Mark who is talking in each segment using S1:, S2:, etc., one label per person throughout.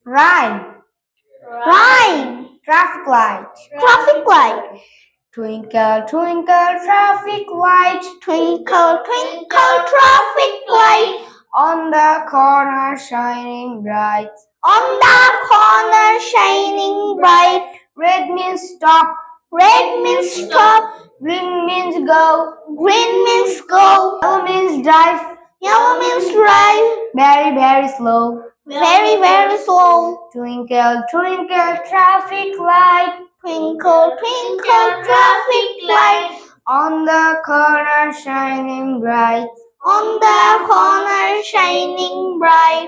S1: Rhyme.
S2: Rhyme.
S1: Traffic light.
S2: Traffic light.
S1: Twinkle, twinkle, traffic light.
S2: Twinkle, twinkle, traffic light.
S1: On the corner shining bright.
S2: On the corner shining bright.
S1: Red means stop.
S2: Red means stop.
S1: Green means go.
S2: Green means go.
S1: Yellow means drive.
S2: Yellow means drive.
S1: Very, very slow.
S2: Very, very slow.
S1: Twinkle, twinkle, traffic light.
S2: Twinkle, twinkle, traffic light.
S1: On the corner shining bright.
S2: On the corner shining bright.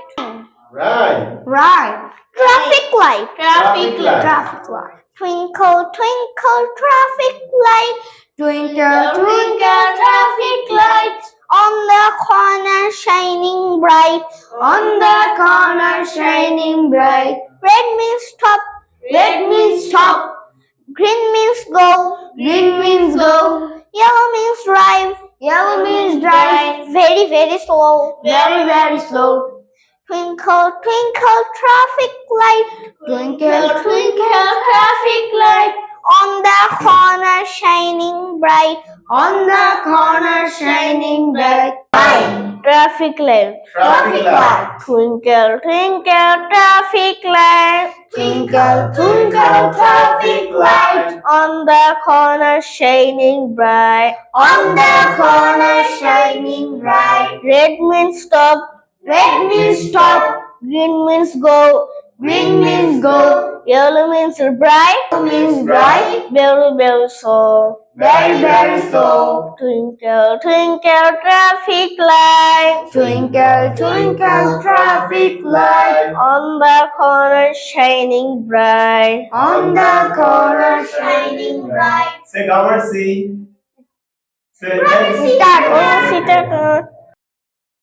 S3: Right.
S1: Right.
S2: Traffic light.
S3: Traffic light.
S1: Traffic light.
S2: Twinkle, twinkle, traffic light.
S1: Twinkle, twinkle, traffic light.
S2: On the corner shining bright.
S1: On the corner shining bright.
S2: Red means stop.
S1: Red means stop.
S2: Green means go.
S1: Green means go.
S2: Yellow means drive.
S1: Yellow means drive.
S2: Very, very slow.
S1: Very, very slow.
S2: Twinkle, twinkle, traffic light.
S1: Twinkle, twinkle, traffic light.
S2: On the corner shining bright.
S1: On the corner shining bright.
S2: Traffic light.
S3: Traffic light.
S2: Twinkle, twinkle, traffic light.
S1: Twinkle, twinkle, traffic light.
S2: On the corner shining bright.
S1: On the corner shining bright.
S2: Red means stop.
S1: Red means stop.
S2: Green means go.
S1: Green means go.
S2: Yellow means bright.
S1: Yellow means bright.
S2: Very, very slow.
S1: Very, very slow.
S2: Twinkle, twinkle, traffic light.
S1: Twinkle, twinkle, traffic light.
S2: On the corner shining bright.
S1: On the corner shining bright.
S3: Say grammar C. Say
S1: Start.
S2: Oh, sit down.